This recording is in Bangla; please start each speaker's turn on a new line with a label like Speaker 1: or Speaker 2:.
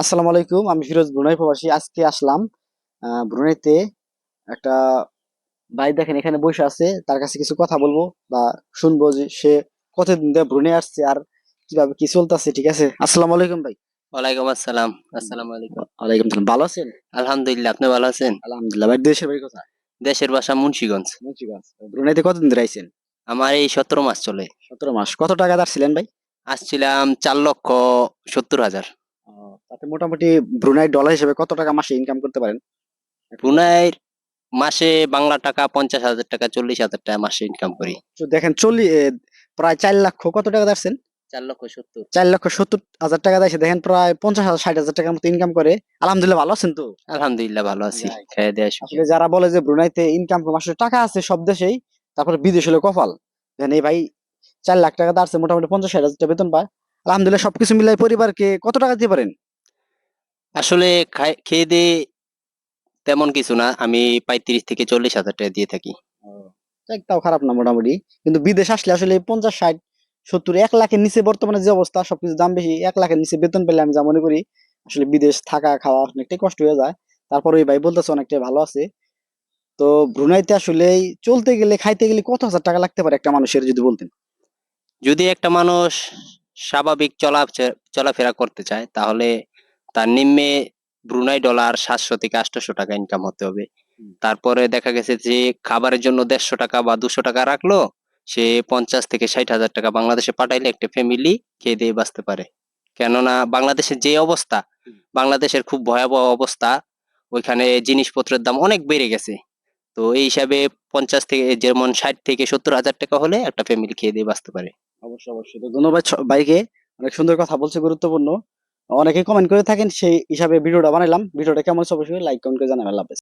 Speaker 1: আসসালামু আলাইকুম। আমি ফিরোজ, ব্রুনাই প্রবাসী। আজকে আসলাম ব্রুনাইতে। একটা ভাই দেখেন এখানে বসে আছে, তার কাছে কিছু কথা বলবো বা শুনবো যে সে কতদিন ধরে ব্রুনাই আসছে আর কিভাবে কি চলতেছে। ঠিক আছে, আসসালামু আলাইকুম ভাই।
Speaker 2: ওয়ালাইকুম আসসালাম। আসসালামু আলাইকুম।
Speaker 1: ওয়ালাইকুম সালাম। ভালো আছেন?
Speaker 2: আলহামদুলিল্লাহ, আপনি ভালো আছেন?
Speaker 1: আলহামদুলিল্লাহ। ভাই দেশের বাড়ি কোথায়?
Speaker 2: দেশের বাসা মুন্সিগঞ্জ।
Speaker 1: মুন্সিগঞ্জ। ব্রুনাইতে কতদিন ধরে আইছেন?
Speaker 2: আমার এই 17 মাস চলে।
Speaker 1: 17 মাস। কত টাকা ছিলেন ভাই?
Speaker 2: আসছিলাম 4,70,000।
Speaker 1: তাতে মোটামুটি ব্রুনাই ডলার হিসেবে কত টাকা মাসে ইনকাম করতে পারেন? একটু বলেন।
Speaker 2: ব্রুনাইয়ের মাসে বাংলা টাকা 50,000 টাকা, 40,000 টাকা মাসে ইনকাম করি।
Speaker 1: তো দেখেন প্রায় 4 লক্ষ কত টাকা দাঁড়ছেন?
Speaker 2: 4,70,000।
Speaker 1: 4,70,000 টাকা দেয়, দেখেন প্রায় 50,000 60,000 টাকার মতো ইনকাম করে। আলহামদুলিল্লাহ, ভালো আছেন তো?
Speaker 2: আলহামদুলিল্লাহ ভালো আছি,
Speaker 1: যাই।
Speaker 2: খেয়ে দেয়া সুখে।
Speaker 1: আসলে যারা বলে যে ব্রুনাইতে ইনকাম কম, আসলে টাকা আছে সব দেশেই, তারপরে বিদেশ হলে কপাল। দেখেন এই ভাই 4 লাখ টাকা দাঁড়ছে, মোটামুটি 50 60 হাজার টাকা বেতন পায়। আলহামদুলিল্লাহ, সবকিছু মিলাই পরিবারকে কত টাকা দিতে পারেন?
Speaker 2: আসলে খেয়ে দিয়ে তেমন কিছু না, আমি 35,000 থেকে 40,000 টাকা দিয়ে থাকি।
Speaker 1: ও, যাক, তাও খারাপ না মোটামুটি। কিন্তু বিদেশ আসলে আসলে 50 60 70 1 লাখের নিচে, বর্তমানে যে অবস্থা সবকিছু দাম বেশি, 1 লাখের নিচে বেতন পেলে আমি যা মনে করি আসলে বিদেশ থাকা খাওয়া অনেকটাই কষ্ট হয়ে যায়। তারপরে ওই ভাই বলতেছে অনেকটাই ভালো আছে। তো ব্রুনাইতে আসলে চলতে গেলে খাইতে গেলে কত হাজার টাকা লাগতে পারে একটা মানুষের, যদি বলতেন।
Speaker 2: যদি একটা মানুষ স্বাভাবিক চলাফেরা করতে চায়, তাহলে তার নিম্নে ব্রুনাই ডলার 700 থেকে 800 টাকা ইনকাম হতে হবে।
Speaker 1: হুম।
Speaker 2: তারপরে দেখা গেছে যে খাবারের জন্য 150 টাকা বা 200 টাকা রাখলো, সে 50,000 থেকে 60,000 টাকা বাংলাদেশে পাঠাইলে একটা ফ্যামিলি খেয়ে দিয়ে বাঁচতে পারে। কেননা বাংলাদেশের যে অবস্থা,
Speaker 1: হুম।
Speaker 2: বাংলাদেশের খুব ভয়াবহ অবস্থা। ওইখানে জিনিসপত্রের দাম অনেক বেড়ে গেছে। তো এই হিসাবে 50 থেকে, যেমন 60,000 থেকে 70,000 টাকা হলে একটা ফ্যামিলি খেয়ে দিয়ে বাঁচতে পারে।
Speaker 1: অবশ্যই অবশ্যই। তো ধন্যবাদ ভাইকে, অনেক সুন্দর কথা বলছে, গুরুত্বপূর্ণ। অনেকে কমেন্ট করে থাকেন, সেই হিসাবে ভিডিওটা বানাইলাম। ভিডিওটা কেমন হচ্ছে অবশ্যই লাইক কমেন্ট করে জানাবেন। আল্লাহ হাফেজ।